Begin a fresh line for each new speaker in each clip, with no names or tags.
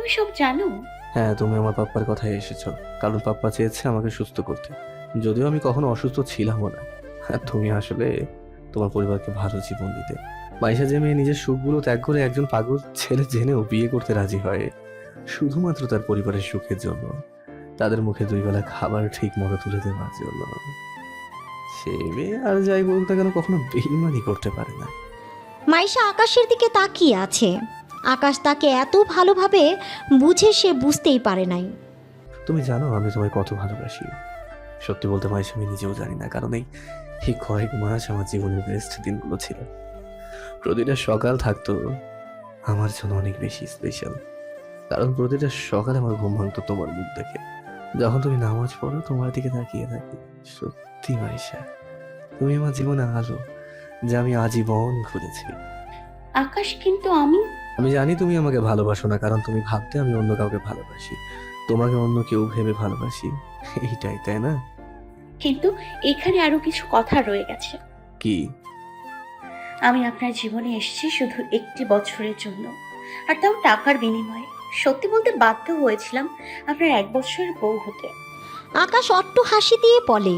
তুমি সব জানো?
হ্যাঁ, তুমি আমার পাপ্পার কথায় এসেছো, কারণ পাপ্পা চেয়েছে আমাকে সুস্থ করতে। যদিও আমি কখনো অসুস্থ ছিলামও না। আর তুমি আসলে তোমার পরিবারকে ভালো জীবন দিতে। মাইশা যে মেয়ে নিজের সুখগুলো ত্যাগ করে একজন পাগল ছেলে জেনেও বিয়ে করতে রাজি হয় শুধুমাত্র তার পরিবারের সুখের জন্য, তাদের মুখে 2 বেলা খাবার ঠিক মতো তুলে দেওয়ার জন্য, সে মেয়ে আর যাই বলুক না কেন কখনো বেইমানি করতে পারে না।
মাইশা আকাশের দিকে তাকিয়ে আছে। আকাশ তাকে এত ভালোভাবে বুঝে সে বুঝতেই পারে নাই।
তুমি জানো আমি তোমায় কত ভালোবাসি। সত্যি বলতে মাইশা আমি নিজেও জানি না, কারণ এই কয়েক মাস আমার জীবনের বেস্ট দিনগুলো ছিল। প্রতিটা সকাল থাকতো আমার জন্য অনেক বেশি স্পেশাল, কারণ প্রতিটা সকালে আমার ঘুম ভাঙতো তোমার মুখ দেখে। যখন তুমি নামাজ পড়ো তোমার দিকে তাকিয়ে থাকি। সত্যি মাইশা, তুমি আমার জীবনে আলো যা আমি আজীবন খুঁজেছি।
আকাশ, কিন্তু আমি
আমি জানি তুমি আমাকে ভালোবাসো না, কারণ তুমি ভাবতে আমি অন্য কাউকে ভালোবাসি, তোমাকে অন্য কেউ ভেবে ভালোবাসি। এইটাই তাই না?
কিন্তু এখানে আরো কিছু কথা রয়ে গেছে।
কি?
আমি আপনার জীবনে এসেছি শুধু 1 বছরের জন্য, আর তাও টাকার বিনিময়ে। সত্যি বলতে বাধ্য হয়েছিলাম আপনার 1 বছরের বউ হতে।
আকাশ অট্ট হাসি দিয়ে বলে।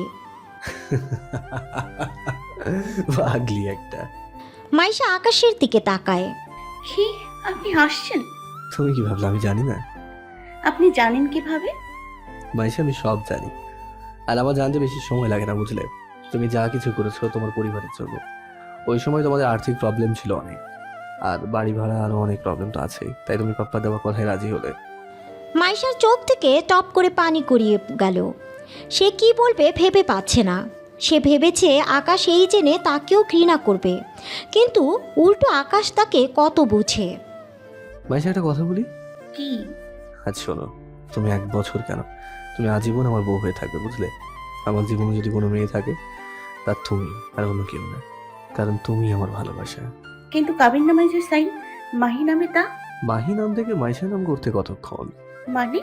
পাগলি একটা।
মাইশা আকাশের দিকে তাকায়।
কি? আপনি হাসছেন?
তুমি কি ভাবলে আমি জানি না?
আপনি জানেন কিভাবে?
মাইশা আমি সব জানি, আর আমার জানতে বেশি সময় লাগে না, বুঝলে? তুমি যা কিছু করেছো তোমার পরিবারের জন্য। ওই সময় তোমাদের আর্থিক প্রবলেম ছিল অনেক, আর বাড়ি ভাড়া আরো অনেক প্রবলেম তো আছেই, তাই তুমি পাপ্পা দেওয়ার কথায় রাজি হলে।
মাইশার চোখ থেকে টপ করে পানি গড়িয়ে গেল। সে কি বলবে ভেবে পাচ্ছে না। সে ভেবেছে আকাশ এই জেনে তাকেও ঘৃণা করবে, কিন্তু উল্টো আকাশ তাকে কত বুঝে।
মাইশা একটা কথা বলি।
কি?
আচ্ছা শোনো, তুমি 1 বছর কেন, তুমি আজীবন আমার বউ হয়ে থাকবে, বুঝলে? আমার জীবনে যদি কোনো মেয়ে থাকে তার তুমি, আর অন্য কেউ না, কারণ তুমি আমার ভালোবাসা।
কিন্তু কাবির নামায় যে সাইন মাহি নামে, তা
মাহি নাম থেকে মাইশা নাম করতে কতক্ষণ?
মানে?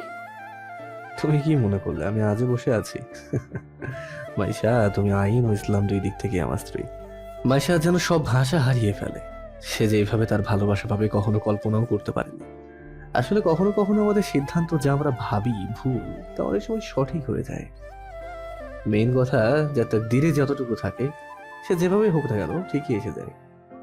তুমি কি মনে করলে আমি আজও বসে আছি? মাইশা, তুমি আইন ও ইসলাম 2 দিক থেকে আমার স্ত্রী। মাইশা যেন সব ভাষা হারিয়ে ফেলে। সে যে এইভাবে তার ভালোবাসা পাবে কখনো কল্পনাও করতে পারেনি। আসলে কখনো কখনো আমাদের সিদ্ধান্ত যা আমরা ভাবি ভুল, তা অনেক সময় সঠিক হয়ে যায়। মেইন কথা, যাতে ধীরে যতটুকু থাকে সে যেভাবে হোক না কেন ঠিকই এসে যায়।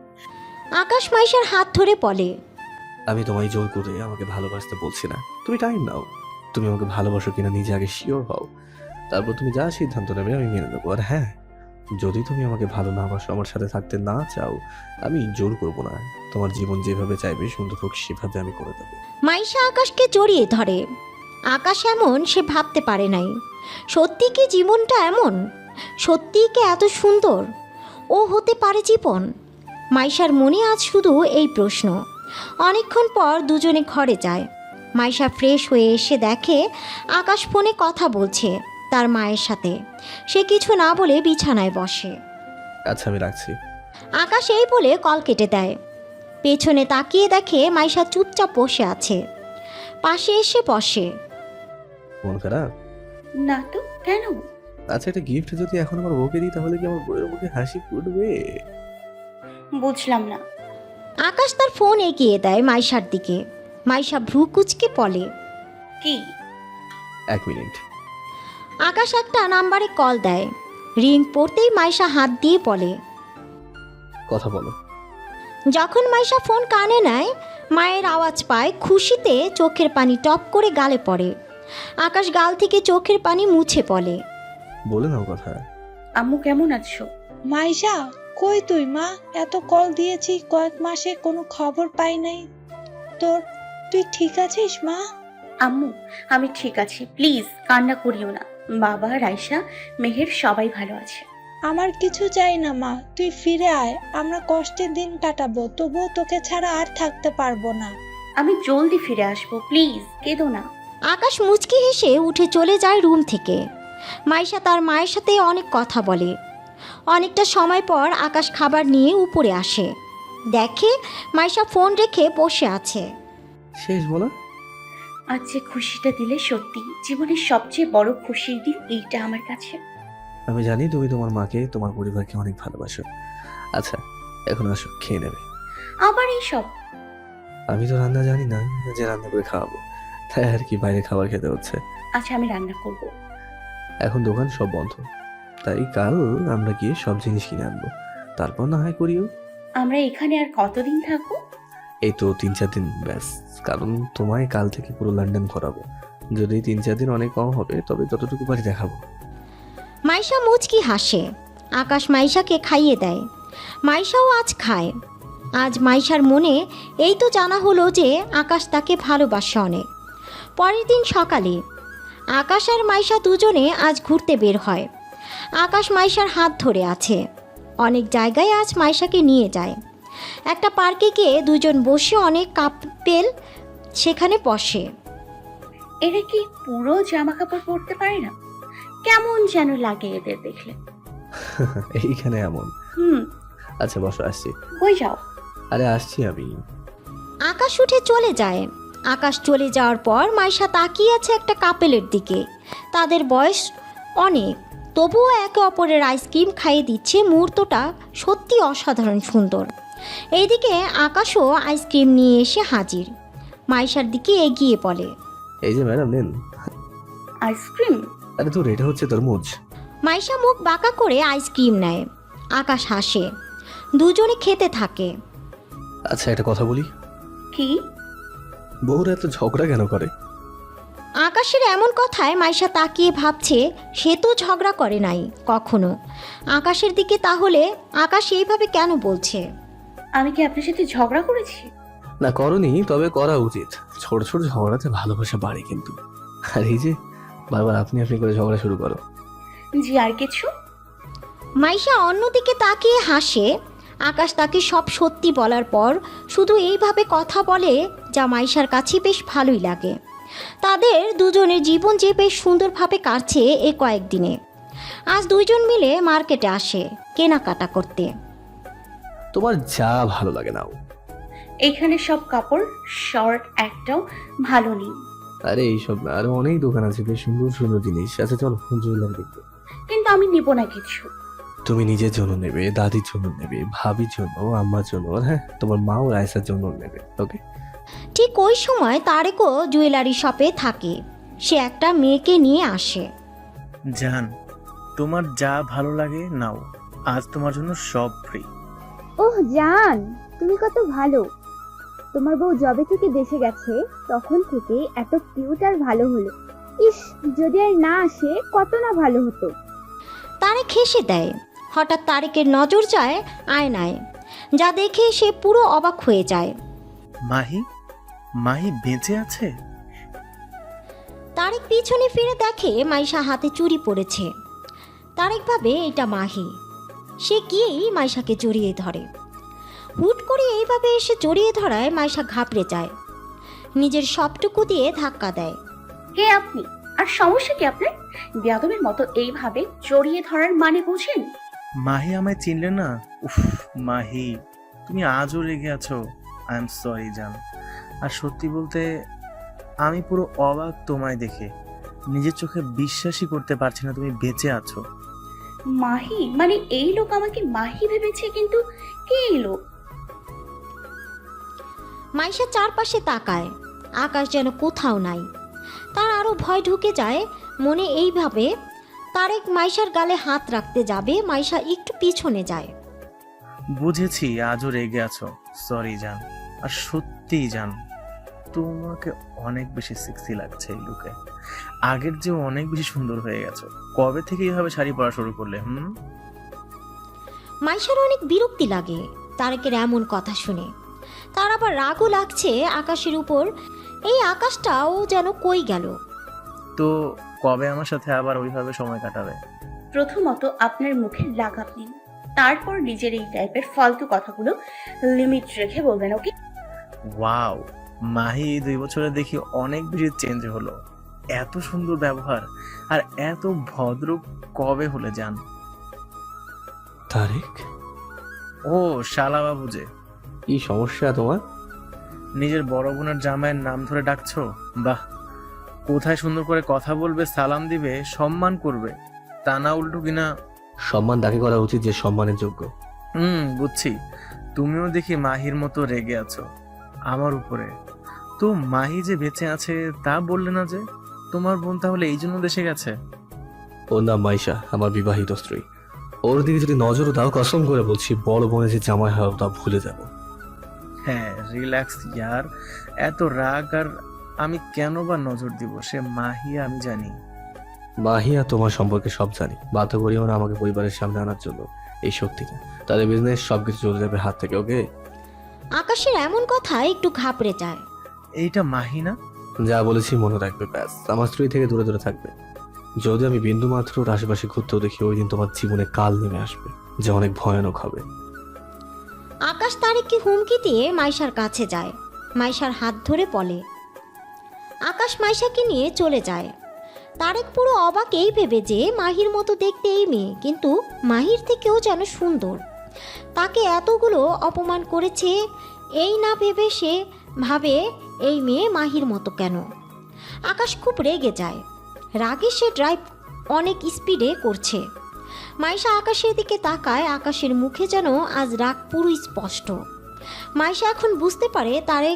আকাশ মাইশার হাত ধরে বলে।
আমি তোমায় জোর করে আমাকে ভালোবাসতে বলছি না, তুমি টাইম নাও। তুমি আমাকে ভালোবাসো কিনা নিজে আগে শিওর হও, তারপর তুমি যা সিদ্ধান্ত নেবে আমি মেনে নেবো। আর হ্যাঁ, যদি তুমি আমাকে ভালো না বাসো, আমার সাথে থাকতে না চাও, আমি জোর করবো না। তোমার জীবন যেভাবে চাইবে সুন্দর হোক সেভাবে আমি করে দেবো।
মাইশা আকাশকে জড়িয়ে ধরে। আকাশ এমন সে ভাবতে পারে নাই। সত্যি কি জীবনটা এমন? সত্যিই কি এত সুন্দর? ও হতে পারে জীবন? মাইশার মনে আজ শুধু এই প্রশ্ন। অনেকক্ষণ পর দুজনে ঘরে যায়। মাইশা ফ্রেশ হয়ে এসে দেখে আকাশ ফোনে কথা বলছে তার মায়ের সাথে। সে কিছু না বলে বিছানায় বসে।
আচ্ছা আমি রাখছি।
আকাশ এই বলে কল কেটে দেয়। পেছনে তাকিয়ে দেখে মাইশা চুপচাপ বসে আছে। পাশে এসে বসে।
মন খারাপ?
না তো, কেন?
আচ্ছা, একটা গিফট যদি এখন আমার বউকে দিই তাহলে কি আমার বউয়ের মুখে হাসি ফুটবে?
বুঝলাম না।
আকাশ তার ফোন এগিয়ে দেয় মাইশার দিকে। মাইশা ভ্রু কুচকে বলে।
কি?
1 মিনিট।
আকাশ একটা নাম্বারে কল দেয়। রিং পড়তেই মাইশা হাত দিয়ে বলে।
কথা বলো।
যখন মাইশা ফোন কানে নেয়, মায়ের আওয়াজ পায়। খুশিতে চোখের পানি টপ করে গালে পড়ে। আকাশ গাল থেকে চোখের পানি মুছে বলে।
বলে নাও কথা।
আম্মু কেমন আছো?
মাইশা, কই তুই মা? এত কল দিয়েছি কয়েক মাসে কোনো খবর পাই নাই তোর। তুই ঠিক আছিস মা?
আম্মু, আমি ঠিক আছি, প্লিজ কান্না করিও না। বাবা, রাইসা, মেহের সবাই ভালো আছে।
আমার কিছু চাই না মা, তুই ফিরে আয়। আমরা কষ্টের দিন কাটাবো, তবুও তোকে ছাড়া আর থাকতে পারবো না।
আমি জলদি ফিরে আসবো, প্লিজ কেঁদো না।
আকাশ মুচকি হেসে উঠে চলে যায় রুম থেকে। মাইশা তার মায়ের সাথে অনেক কথা বলে। অনেকটা সময় পর আকাশ খাবার নিয়ে উপরে আসে। দেখে মাইশা ফোন রেখে বসে আছে।
শেষ বলো।
আজ যে খুশিটা দিলে, সত্যি জীবনের সবচেয়ে বড় খুশির দিন এইটা আমার কাছে।
আমি জানি তুমি তোমার মাকে তোমার পরিবারকে অনেক ভালোবাসো। আচ্ছা এখন আসো, খেয়ে নেবে।
আবার এইসব?
আমি তো রান্না জানি না যে রান্না করে খাওয়াবো, তাই আর কি বাইরে খাবার খেতে হচ্ছে।
আচ্ছা আমি রান্না করব।
এখন দোকান সব বন্ধ, তাই কাল আমরা গিয়ে সব জিনিস কিনে আনবো, তারপর না হয় করিও।
আমরা এখানে আর কতদিন থাকবো?
এই তো 3-4 দিন ব্যাস, কারণ তোমায় কাল থেকে পুরো লন্ডন ঘোরাবো। যদি 3-4 দিন অনেক কম হবে তবে ততটুকু বাড়ি দেখাবো।
মাইশা মুচকি হাসে। আকাশ মাইশাকে খাইয়ে দেয়। মাইশাও আজ খায়। আজ মাইশার মনে এই তো জানা হলো যে আকাশ তাকে ভালোবাসে অনেক। পরের দিন সকালে আকাশ আর মাইশা দুজনে আজ ঘুরতে বের হয়। আকাশ মাইশার হাত ধরে আছে। অনেক জায়গায় আজ মাইশাকে নিয়ে যায়। একটা পার্কে গিয়ে দুজন বসে অনেক কাপেল সেখানে বসে।
এরা কি পুরো জামা কাপড় পরতে পারে না? কেমন যেন লাগে এদের দেখলে।
এইখানে এমন। আচ্ছা বসো, আসছি।
কই যাও?
আরে আসছি আমি।
আকাশ উঠে চলে যায়। আকাশ চলে যাওয়ার পর মাইশা তাকিয়ে আছে একটা কাপেলের দিকে। তাদের বয়স অনেক, তবুও একে অপরের আইসক্রিম খাইয়ে দিচ্ছে। মুহূর্তটা সত্যি অসাধারণ সুন্দর। এইদিকে আকাশও আইসক্রিম নিয়ে এসে হাজির। মাইশার দিকে এগিয়ে বলে,
এই যে ম্যাডাম নেন।
আইসক্রিম?
আরে তোর এটা হচ্ছে তরমুজ।
মাইশা মুখ বাঁকা করে আইসক্রিম নেয়। আকাশ হাসে। দুজনে খেতে থাকে।
আচ্ছা একটা কথা বলি,
কি?
বউরা এত ঝগড়া কেন করে?
আকাশের এমন কথায় মাইশা তাকিয়ে ভাবছে সে তো ঝগড়া করে নাই কখনো। আকাশের দিকে তাহলে আকাশ এইভাবে কেন বলছে?
আমি কি আপনার সাথে ঝগড়া করেছি?
না করনি, তবে করা উচিত। ছোট ছোট ঝগড়াতে ভালোবাসা বাড়ে কিন্তু। আর এই যে বারবার আপনি আপনি করে ঝগড়া শুরু করো।
জি আর কিছু?
মাইশা অন্যদিকে তাকিয়ে হাসে। আকাশ তাকে সব সত্যি বলার পর শুধু এইভাবে কথা বলে, যা মাইশার কাছে বেশ ভালোই লাগে। তাদের দুজনের জীবন যে বেশ সুন্দরভাবে কাটছে এ কয়েকদিনে। আজ দুইজন মিলে মার্কেটে আসে কেনাকাটা করতে।
তোমার যা ভালো লাগে নাও।
এখানে সব কাপড় শর্ট একটাও ভালো নেই।
আরে এইসব না, আরো অনেক দোকান আছে বেশ সুন্দর সুন্দর জিনিস। আচ্ছা চলো জুয়েলারি দেখবো।
কিন্তু আমি নিব না কিছু।
তুমি নিজের জন্য নেবে, দাদির জন্য নেবে, ভাবির জন্য, আম্মার জন্য, আর হ্যাঁ তোমার মা ও রায়সার জন্য নেবে। ওকে।
ঠিক ওই সময় তারেকও জুয়েলারি শপে থাকে। সে একটা মেয়েকে নিয়ে আসে।
জান, তোমার যা ভালো লাগে নাও, আজ তোমার জন্য সব ফ্রি।
ওহ জান, তুমি কত ভালো। তোমার বউ জবে থেকে দেশে গেছে তখন থেকে এত কিউট আর ভালো হলো। ইস, যদি আর না আসে কত না ভালো হতো।
তারেক হেসে দেয়। হঠাৎ তারেকের নজর যায় আয়নায়, যা দেখে সে পুরো অবাক হয়ে যায়।
মাহি, মাহি বেঁচে আছে?
তারেক পিছনে ফিরে দেখে মাইশা হাতে চুড়ি পড়েছে। তারেক ভাবে এটা মাহি। সে গিয়েই মাইশাকে জড়িয়ে ধরে। হুট করে এইভাবে এসে জড়িয়ে ধরায় মাইশা ঘাবড়ে যায়। নিজের সবটুকু দিয়ে ধাক্কা দেয়।
কে আপনি? আর সমস্যা কি আপনার? বেয়াদবের মতো এইভাবে জড়িয়ে ধরার মানে বুঝেন?
মাহি আমায় চিনলে না? উফ মাহি, তুমি আজও রেগে আছো। আই এম সরি জান। আর সত্যি বলতে আমি পুরো অবাক তোমায় দেখে। নিজের চোখে বিশ্বাসই করতে পারছি না তুমি বেঁচে আছো।
মাহি? মানে এই লোক আমাকে মাহি ভেবেছে, কিন্তু কে এই লোক?
মাইশা চারপাশে তাকায়। আকাশ যেন কোথাও নাই। তার আরও ভয় ঢুকে যায় মনে। এইভাবে তারেক মাইশার গালে হাত রাখতে যাবে, মাইশা একটু পিছনে যায়।
বুঝেছি আজও রেগে আছো, সরি জান। আর সত্যিই জান, তোমাকে অনেক বেশি সেক্সি লাগছে এই লুকে। আগের চেয়েও অনেক বেশি সুন্দর হয়ে গেছো। কবে থেকে এইভাবে শাড়ি পরা শুরু করলে?
মাইশার অনেক বিরক্তি লাগে তারেকের এমন কথা শুনে। তার আবার রাগও লাগছে আকাশের উপর। এই আকাশটাও যেন কই গেল।
তো কবে আমার সাথে আবার ওইভাবে সময় কাটাবে?
প্রথমত আপনার মুখে লাগাম নিন, তারপর নিজের এই টাইপের ফালতু কথাগুলো লিমিট রেখে বলবেন, ওকে?
ওয়াও, মাহি এই 2 বছরে দেখি অনেক বেশি চেঞ্জ হলো। এত সুন্দর ব্যবহার আর এত ভদ্র কবে হলে জান?
তারেক,
ও শালা বাবু যে।
কি সমস্যা তোমার?
নিজের বড় বোনের জামাইয়ের নাম ধরে ডাকছো? বাহ, কোথায় সুন্দর করে কথা বলবে, সালাম দিবে, সম্মান করবে, তা না উল্টো কিনা।
সম্মান তাকে করা উচিত যে সম্মানের যোগ্য।
বুঝছি। তুমিও দেখি মাহির মতো রেগে আছো আমার উপরে। তো মাহি যে বেঁচে আছে তা বললে না যে? তোমার বোন তাহলে এই জন্য দেশে গেছে?
ওর নাম মাইশা, আমার বিবাহিত স্ত্রী। ওর দিকে যদি নজরও দাও, কসম করে বলছি বড় বোনে যে জামাই হয় তা ভুলে যাব।
হ্যাঁ, রিল্যাক্স ইয়ার। এত রাগ আর আমি কেন বা নজর দিব? সে মাহি আমি জানি।
মাহিয়া তোমার সম্পর্কে সব জানি, বাধ্য করিও না আমাকে পরিবারের সামনে আনার জন্য। এই শক্তিটা তাদের বিজনেস সবকিছু চলে যাবে হাত থেকে। ওকে?
আকাশের এমন কথায় একটু ঘাবড়ে যায়।
এইটা মাহি না?
যা বলেছি মনে রাখবে, ব্যাস। আমার স্ত্রী থেকে দূরে দূরে থাকবে। যদি আমি বিন্দু মাত্র ওর আশেপাশে ঘুরতেও দেখি, ওই দিন তোমার জীবনে কাল নেমে আসবে, যা অনেক ভয়ানক হবে।
আকাশ তারেককে হুমকি দিয়ে মাইশার কাছে যায়। মাইশার হাত ধরে বলে। আকাশ মাইশাকে নিয়ে চলে যায়। তারেক পুরো অবাক এই ভেবে যে মাহির মতো দেখতে এই মেয়ে, কিন্তু মাহির থেকেও যেন সুন্দর। তাকে এতগুলো অপমান করেছে এই না ভেবে সে ভাবে এই মেয়ে মাহির মতো কেন। আকাশ খুব রেগে যায়। রাগে সে ড্রাইভ অনেক স্পিডে করছে। মাইশা আকাশের দিকে তাকায়। আকাশের মুখে যেন আজ রাগ পুরো স্পষ্ট। মাইশা এখন বুঝতে পারে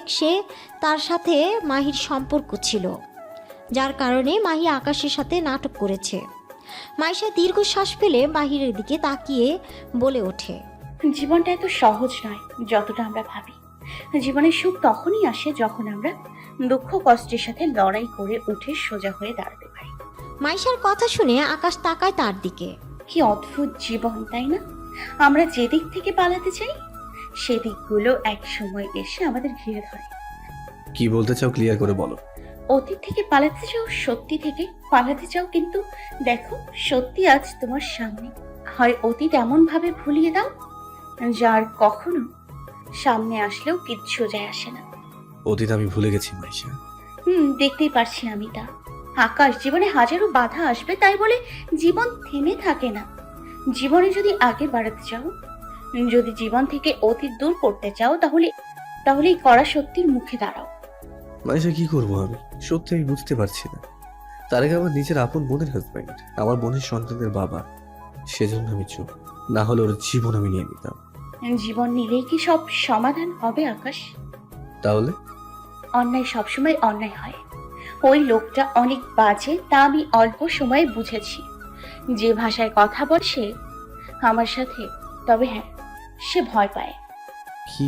তার সাথে মাহির সম্পর্ক ছিল, যার কারণে মাহি আকাশের সাথে নাটক করেছে। মাইশা দীর্ঘশ্বাস ফেলে মাহিরের দিকে তাকিয়ে বলে ওঠে,
জীবনটা এত সহজ নয় যতটা আমরা ভাবি। জীবনের সুখ তখনই আসে যখন আমরা দুঃখ কষ্টের সাথে লড়াই করে উঠে সোজা হয়ে দাঁড়াতে পারি।
মাইশার কথা শুনে আকাশ তাকায় তার দিকে।
কি অদ্ভুত জীবন, তাই না? আমরা যেদিক থেকে পালাতে চাই সেদিকগুলো এক সময় এসে আমাদের ঘিরে ধরে।
কি বলতে চাও ক্লিয়ার করে বলো।
অতীত থেকে পালাতে চাও, সত্যি থেকে পালাতে চাও, কিন্তু দেখো সত্যি আজ তোমার সামনে। হয় অতীত এমন ভাবে ভুলিয়ে দাও যার কখনো সামনে আসলেও কিচ্ছু যায় আসে না।
অতীত আমি ভুলে গেছি মাইশা।
দেখতেই পারছি আমি তা। আকাশ, জীবনে হাজারো বাধা আসবে, তাই বলে জীবন থেমে থাকে না। জীবনে যদি আগে বাড়াতে চাও, যদি জীবন থেকে অতীত দূর করতে চাও, তাহলেই করা সত্যির মুখে দাঁড়াও।
মাইশা কি করবো আমি? সত্যি আমি বুঝতে পারছি না। তারেক আমার নিজের আপন বোনের হাজব্যান্ড, আমার বোনের সন্তানদের বাবা। সেজন্য আমি চুপ, না হলে ওর জীবন আমি নিয়ে নিতাম।
জীবন নিলেই কি সব সমাধান হবে আকাশ?
তাহলে?
অন্যায় সবসময় অন্যায় হয়। ওই লোকটা অনেক বাজে, তা আমি অল্প সময়ে বুঝেছি। যে ভাষায় কথা বলছে আমার সাথে, তবে হ্যাঁ, সে ভয় পায়।
কি?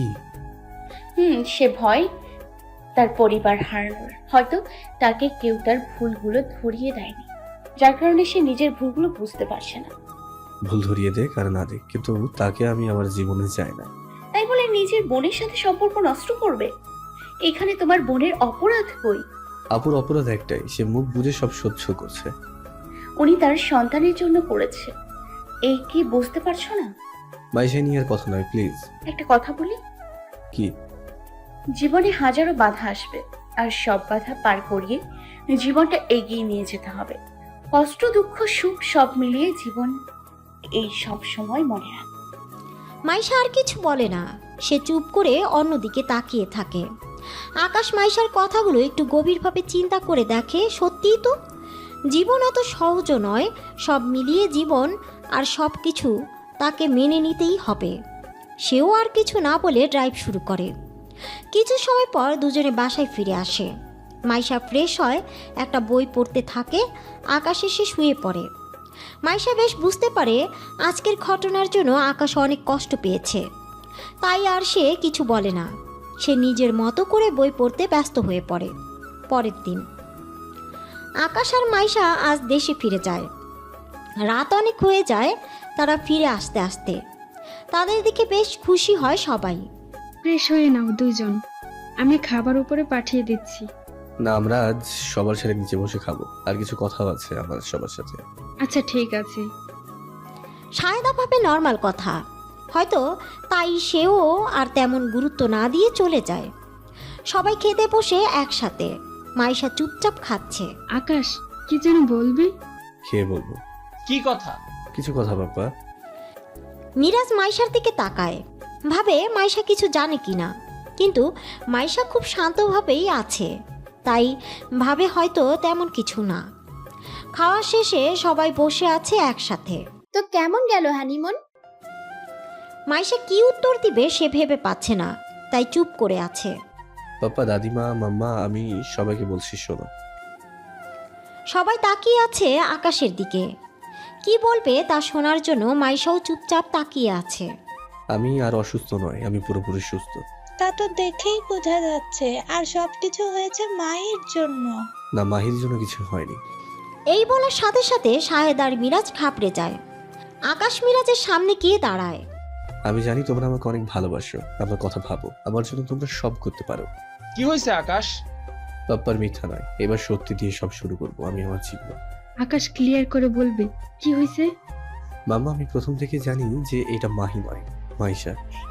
সে ভয় তার পরিবার হারানোর। হয়তো তাকে কেউ তার ভুলগুলো ধরিয়ে দেয়নি, যার কারণে সে নিজের ভুলগুলো বুঝতে পারছে না।
ভুল ধরিয়ে দেখ আর না দেখ, কিন্তু তাকে আমি আমার জীবনে চাই না।
তাই বলে নিজের বোনের সাথে সম্পর্ক নষ্ট করবে? এখানে তোমার বোনের অপরাধ কই?
আপুর অপরাধ একটাই, সে মুখ বুঝে সব সহ্য করছে।
উনি তার সন্তানের জন্য করেছে, এই কি বুঝতে পারছো না?
মাইশা নিয়ে আর কথা নয়, প্লিজ।
একটা কথা বলি,
কি?
জীবনে হাজারো বাধা আসবে, আর সব বাধা পার করিয়ে জীবনটা এগিয়ে নিয়ে যেতে হবে। কষ্ট, দুঃখ, সুখ সব মিলিয়ে জীবন, এই সব সময় মনে রাখ।
মাইশা আর কিছু বলে না। সে চুপ করে অন্যদিকে তাকিয়ে থাকে। আকাশ মাইশার কথাগুলো একটু গভীরভাবে চিন্তা করে দেখে, সত্যিই তো জীবন এত সহজও নয়। সব মিলিয়ে জীবন আর সব কিছু তাকে মেনে নিতেই হবে। সেও আর কিছু না বলে ড্রাইভ শুরু করে। কিছু সময় পর দুজনে বাসায় ফিরে আসে। মাইশা ফ্রেশ হয়, একটা বই পড়তে থাকে। আকাশ এসে শুয়ে পড়ে। মাইশা বেশ বুঝতে পারে আজকের ঘটনার জন্য আকাশ অনেক কষ্ট পেয়েছে, তাই আর সে কিছু বলে না। সে নিজের মতো করে বই পড়তে ব্যস্ত হয়ে পড়ে। পরের দিন আকাশ আর মাইশা আজ দেশে ফিরে যায়। রাত অনেক হয়ে যায় তারা ফিরে আসতে আসতে। তাদের দিকে বেশ খুশি হয় সবাই।
ফ্রেশ হয়ে নাও দুইজন, আমি খাবার উপরে পাঠিয়ে দিচ্ছি।
না, আমরা আজ সবার সাথে নিচে বসে খাবো, আর কিছু কথাও আছে আমার সবার সাথে।
আচ্ছা ঠিক আছে।
সায়দা ভাবে নর্মাল কথা হয়তো, তাই সেও আর তেমন গুরুত্ব না দিয়ে চলে যায়। সবাই খেতে বসে একসাথে। মাইশা চুপচাপ খাচ্ছে।
আকাশ, কি যেন বলবি?
খেয়ে বলবো।
কি কথা?
কিছু কথা বাবা।
মিরাজ মাইশার দিকে তাকায়, ভাবে মাইশা কিছু জানে কিনা, কিন্তু মাইশা খুব শান্তভাবেই আছে, তাই ভাবে হয়তো তেমন কিছু না। খাওয়া শেষে সবাই বসে আছে একসাথে।
তো কেমন গেল হানিমুন?
মাইশা কি উত্তর দিবে সে ভেবে পাচ্ছে না, তাই চুপ করে আছে।
পাপ্পা, দাদিমা, মাম্মা, আমি সবাইকে বলছি, শোনো।
সবাই তাকিয়ে আছে আকাশের দিকে। কি বলবে তা শোনার জন্য মাইশাও চুপচাপ তাকিয়ে আছে।
আমি আর অসুস্থ নয়, আমি পুরোপুরি সুস্থ।
তা তো দেখেই বোঝা যাচ্ছে, আর সবকিছু হয়েছে মায়ের জন্য।
না, মাহির জন্য কিছু হয়নি।
এই বলার সাথে সাথে শাহেদ আর মিরাজ ঘাবড়ে যায়। আকাশ মিরাজের সামনে গিয়ে দাঁড়ায়।
আমি জানি তোমরা আমাকে অনেক ভালোবাসো, আমার কথা ভাবো, আমার জন্য তোমরা সব করতে পারো।
কি হয়েছে আকাশ?
পাপ্পার মিথ্যা নয়, এবার সত্যি দিয়ে সব শুরু করবো। আমি আমার জীবন।
আকাশ ক্লিয়ার করে বলবে কি হয়েছে।
মাম্মা, আমি প্রথম থেকে জানি যে এটা মাহি নয়, মাইশা।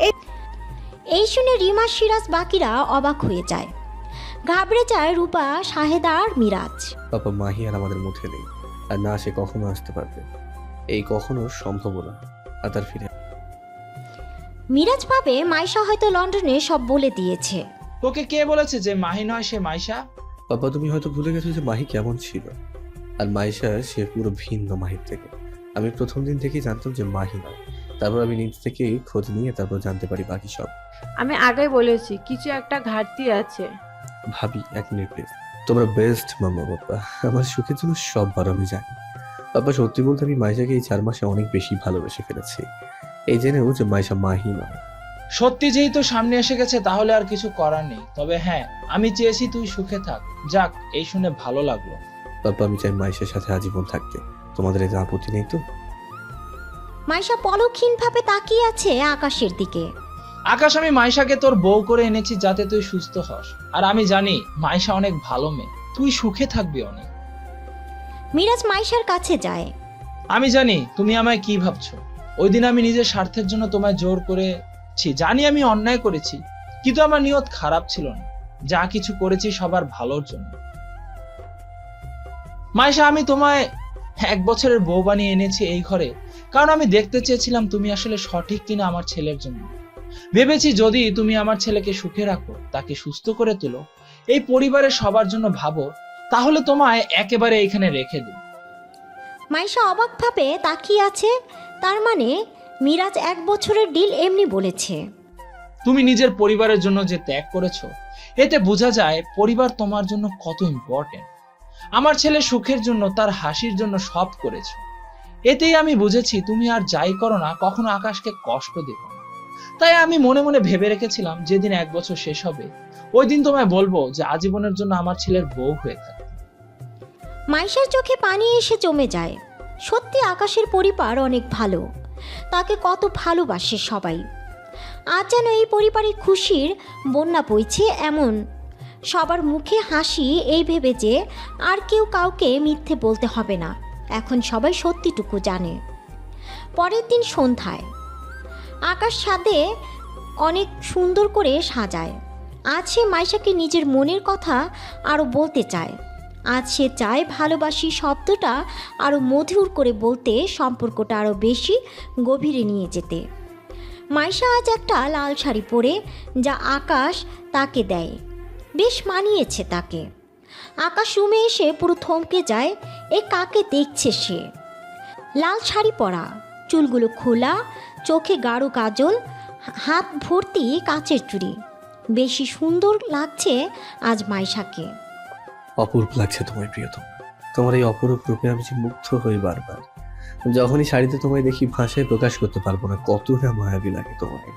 এই শুনে রিমা, সিরাজ বাকিরা অবাক হয়ে যায়। ঘাবড়ে যায় রূপা, শাহেদা আর মিরাজ।
পাপা, মাহি আর আমাদের মধ্যে নেই, আর না সে কখনো আসতে পারবে, এই কখনো সম্ভব না। আর তার ফিরে
মিরাজ ভাবে মাইশা হয়তো লন্ডনে সব বলে দিয়েছে।
তোকে কে বলেছে যে মাহি নয় সে মাইশা?
পাপা, তুমি হয়তো ভুলে গেছো যে মাহি কেমন ছিল, আর মাইশা সে পুরো ভিন্ন মাহির থেকে। আমি প্রথম দিন থেকেই জানতাম যে মাহি নয়, তারপর আমি নিজ থেকেই খোঁজ নিয়ে তারপর জানতে পারি বাকি সব।
আমি আগে বলেছি কিছু একটা ঘাটতি আছে।
ভাবি, 1 মিনিট প্লিজ। তোমরা বেস্ট মাম্মা পাপা, আমার সুখের জন্য সববার আমি জানি। পাপা, সত্যি বলতে আমি মাইশাকে এই 4 মাসে অনেক বেশি ভালোবেসে ফেলেছি, এই জেনেও যে মাইশা মাহি নয়।
সত্যি যেহেতু সামনে এসে গেছে তাহলে আর কিছু করার নেই। তবে হ্যাঁ, আমি চেয়েছি তুই সুখে থাক। যাক, এই শুনে ভালো লাগলো।
পাপা, আমি চাই মাইশার সাথে আজীবন থাকতে। তোমাদের এতে আপত্তি নেই তো?
মাইশা পলকহীনভাবে তাকিয়ে আছে আকাশের দিকে।
আকাশ, আমি মাইশাকে তোর বউ করে এনেছি যাতে তুই সুস্থ হস। আর আমি জানি মাইশা অনেক ভালো মেয়ে, তুই সুখে থাকবি অনেক।
মিরাজ মাইশার কাছে যায়।
আমি জানি তুমি আমায় কি ভাবছো। ওই দিন আমি নিজের স্বার্থের জন্য তোমায় জোর করেছি, জানি আমি অন্যায় করেছি, কিন্তু আমার নিয়ত খারাপ ছিল না। যা কিছু করেছি সবার ভালোর জন্য। মাইশা, আমি তোমায় 1 বছরের বউ বানিয়ে এনেছি এই ঘরে, কারণ আমি দেখতে চেয়েছিলাম তুমি আসলে সঠিক কিনা আমার ছেলের জন্য। ভেবেছি যদি তুমি আমার ছেলেকে সুখে রাখো, তাকে সুস্থ করে তোলো, এই পরিবারের সবার জন্য ভাবো, তাহলে তোমায় একেবারে এইখানে রেখে দিই।
মাইশা অবাকভাবে তাকিয়ে আছে। তার মানে মিরাজ 1 বছরের ডিল এমনি বলেছে।
তুমি নিজের পরিবারের জন্য যে ত্যাগ করেছো, এতে বোঝা যায় পরিবার তোমার জন্য কত ইম্পর্টেন্ট। আমার ছেলে সুখের জন্য, তার হাসির জন্য সব করেছো। এতেই আমি বুঝেছি তুমি আর যাই করো না কখনো আকাশকে কষ্ট দেবে না। তাই আমি মনে মনে ভেবে রেখেছিলাম যেদিন 1 বছর শেষ হবে, ওই দিন তোমায় বলবো যে আজীবনের জন্য আমার ছেলের বউ হয়ে থাকে।
মাইশার চোখে পানি এসে জমে যায়। সত্যি আকাশের পরিবার অনেক ভালো, তাকে কত ভালোবাসে সবাই। আজ যেন এই পরিবারে খুশির বন্যা বইছে এমন। সবার মুখে হাসি, এই ভেবে যে আর কেউ কাউকে মিথ্যে বলতে হবে না, এখন সবাই সত্যিটুকু জানে। পরের দিন সন্ধ্যায় আকাশ ছাদে অনেক সুন্দর করে সাজায়। আজ সে মাইশাকে নিজের মনের কথা আরও বলতে চায়। আজ সে চায় ভালোবাসি শব্দটা আরও মধুর করে বলতে, সম্পর্কটা আরও বেশি গভীরে নিয়ে যেতে। মাইশা আজ একটা লাল শাড়ি পরে, যা আকাশ তাকে দেয়, বেশ মানিয়েছে তাকে। আকাশ রুমে এসে পুরো থমকে যায়। এ কাকে দেখছে সে? লাল শাড়ি পরা, চুলগুলো খোলা, চোখে গাঢ় কাজল, হাত ভর্তি কাচের চুড়ি। বেশি সুন্দর লাগছে আজ মাইশাকে।
অপূর্ব লাগছে তোমায় প্রিয়তম। তোমার এই অপরূপ রূপে আমি যে মুগ্ধ হই বারবার। যখনই শাড়িতে তোমায় দেখি ভাষায় প্রকাশ করতে পারবো না কত না মায়াবী লাগে তোমায়।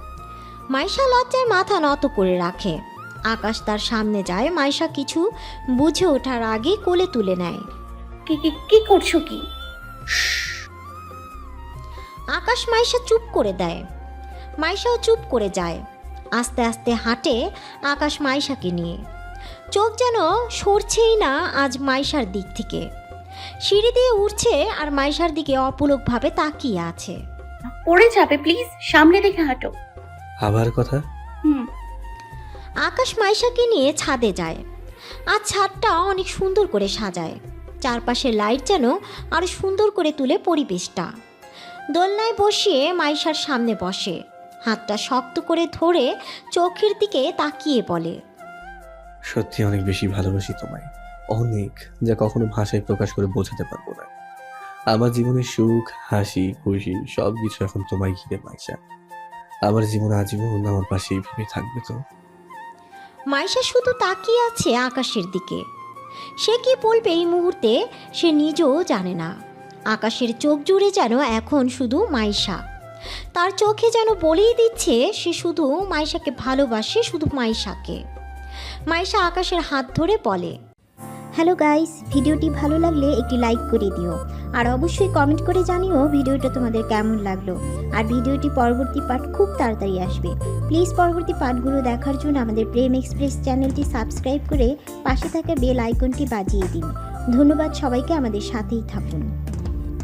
মাইশা লজ্জায় মাথা নত করে রাখে। আকাশ তার সামনে যায়। মাইশা কিছু বুঝে ওঠার আগে কোলে তুলে নেয়।
কি করছো কি?
আকাশ মাইশা চুপ করে দেয়। মাইশাও চুপ করে যায়। আস্তে আস্তে হাঁটে আকাশ মাইশাকে নিয়ে। চোখ যেন সরছেই না আজ মাইশার দিক থেকে। সিঁড়ি দিয়ে উঠছে আর মাইশার দিকে অপলকভাবে তাকিয়ে আছে।
পড়ে যাবে, প্লিজ সামনে দেখে হাঁটো।
আবার কথা?
আকাশ মাইশাকে নিয়ে ছাদে যায়। আজ ছাদটা অনেক সুন্দর করে সাজায়। চারপাশে লাইট যেন আরো সুন্দর করে তুলে পরিবেশটা। দোলনায় বসিয়ে মাইশার সামনে বসে, হাতটা শক্ত করে ধরে চোখের দিকে তাকিয়ে বলে,
সত্যি অনেক বেশি ভালোবাসি তোমায়, অনেক, যা কখনো ভাষায় প্রকাশ করে বোঝাতে পারবো না। আমার জীবনের সুখ, হাসি, খুশি সবকিছু এখন তোমায় ঘিরে মাইশা। আমার জীবন আজীবন আমার পাশে এইভাবে থাকবে তো?
মাইশা শুধু তাকিয়ে আছে আকাশের দিকে। সে কি বলবে এই মুহূর্তে সে নিজেও জানে না। আকাশের চোখ জুড়ে যেন এখন শুধু মাইশা। তার চোখে যেন বলেই দিচ্ছে সে শুধু মাইশাকে ভালোবাসে, শুধু মাইশাকে। মাইশা আকাশের হাত ধরে বলে, হ্যালো গাইস, ভিডিওটি ভালো লাগলে একটি লাইক করে দিও, আর অবশ্যই কমেন্ট করে জানিও ভিডিওটা তোমাদের কেমন লাগলো। আর ভিডিওটি পরবর্তী পার্ট খুব তাড়াতাড়ি আসবে। প্লিজ পরবর্তী পার্টগুলো দেখার জন্য আমাদের প্রেম এক্সপ্রেস চ্যানেলটি সাবস্ক্রাইব করে পাশে থাকা বেল আইকনটি বাজিয়ে দিন। ধন্যবাদ সবাইকে, আমাদের সাথেই থাকুন।